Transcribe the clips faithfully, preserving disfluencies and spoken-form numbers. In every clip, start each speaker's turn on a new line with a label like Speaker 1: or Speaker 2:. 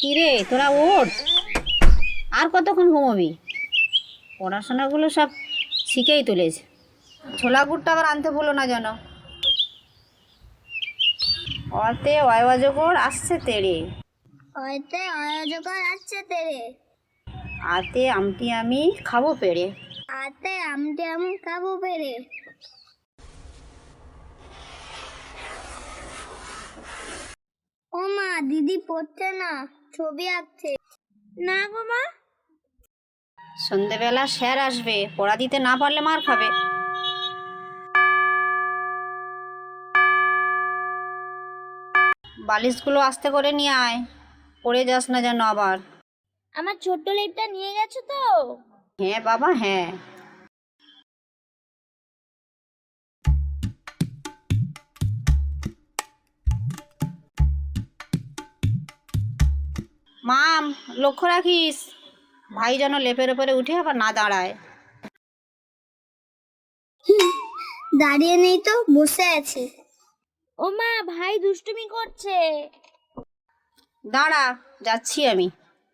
Speaker 1: কিরে তোরা ওঠ, আর কতক্ষণ ঘুমোবি? পড়াশোনাগুলো সব শিখেই তুলেছে। ছোলা গুড়টা আবার আনতে ভুলো না যেন। অতে অয়জগর আসছে তেড়ে,
Speaker 2: হয়তো অযোগ্য আছে তেরে,
Speaker 1: আতে আমটি আমি খাবো পেড়ে।
Speaker 2: আতে আমটি আমি খাবো পেরে। ও মা, দিদি পড়ছে না, ছবি আঁকছে। না গো মা।
Speaker 1: সন্ধেবেলা স্যার আসবে, পড়া দিতে না পারলে মার খাবে। বালিশগুলো আস্তে করে নিয়ে আয়, পড়ে যাস না যেন আবার।
Speaker 2: আমার ছোট্ট লেপটা নিয়ে গেছো তো?
Speaker 1: হ্যাঁ বাবা হ্যাঁ। মাম, লক্ষ্য রাখিস ভাই যেন লেপের ওপরে উঠে আবার না দাঁড়ায়।
Speaker 2: দাঁড়িয়ে নেই তো, বসে আছে। ও মা, ভাই দুষ্টুমি করছে।
Speaker 1: দাঁড়া, যাচ্ছি আমি।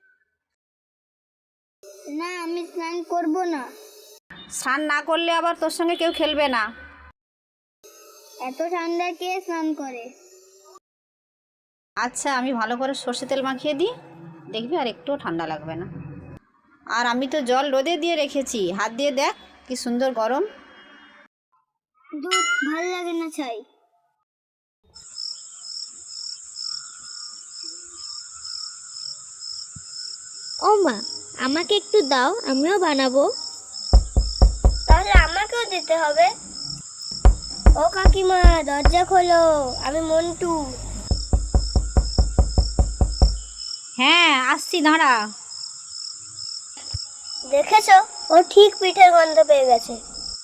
Speaker 2: না, আমি স্নান করব না।
Speaker 1: স্নান না করলে আবার তোর সঙ্গে কেউ খেলবে না।
Speaker 2: এত ঠান্ডা কে স্নান করে?
Speaker 1: আচ্ছা, আমি ভালো করে সর্ষে তেল মাখিয়ে দিই, দেখবি আর একটুও ঠান্ডা লাগবে না। আর আমি তো জল রোদে দিয়ে রেখেছি, হাত দিয়ে দেখ কি সুন্দর গরম।
Speaker 2: দুধ ভাল লাগে না ছাই। ও মা, আমাকে একটু দাও, আমিও বানাবো। তাহলে আমাকেও দিতে হবে। ও কাকিমা, দরজা খোলো, আমি মন্টু।
Speaker 1: হ্যাঁ আসছি, দাঁড়া।
Speaker 2: দেখেছো, ও ঠিক পিঠের গন্ধ পেয়ে গেছে।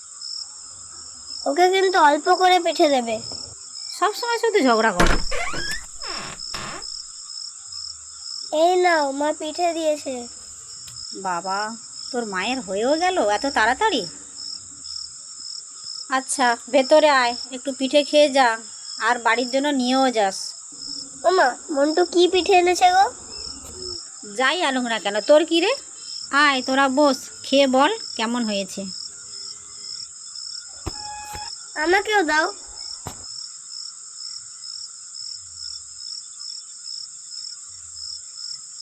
Speaker 2: ওকে কিন্তু অল্প করে পিঠে দেবে।
Speaker 1: সবসময় শুধু ঝগড়া করো।
Speaker 2: এই নাও, মা পিঠে দিয়েছে।
Speaker 1: বাবা, তোর মায়ের হয়েও গেল এত তাড়াতাড়ি? আচ্ছা ভেতরে আয়, একটু পিঠে খেয়ে যা, আর বাড়ির জন্য নিয়েও যাস।
Speaker 2: ও মা, মন্টু কি পিঠে এনেছে গো?
Speaker 1: যাই আনুক না কেন, তোর কি রে? আয় তোরা বস, খেয়ে বল কেমন হয়েছে।
Speaker 2: আমাকেও দাও।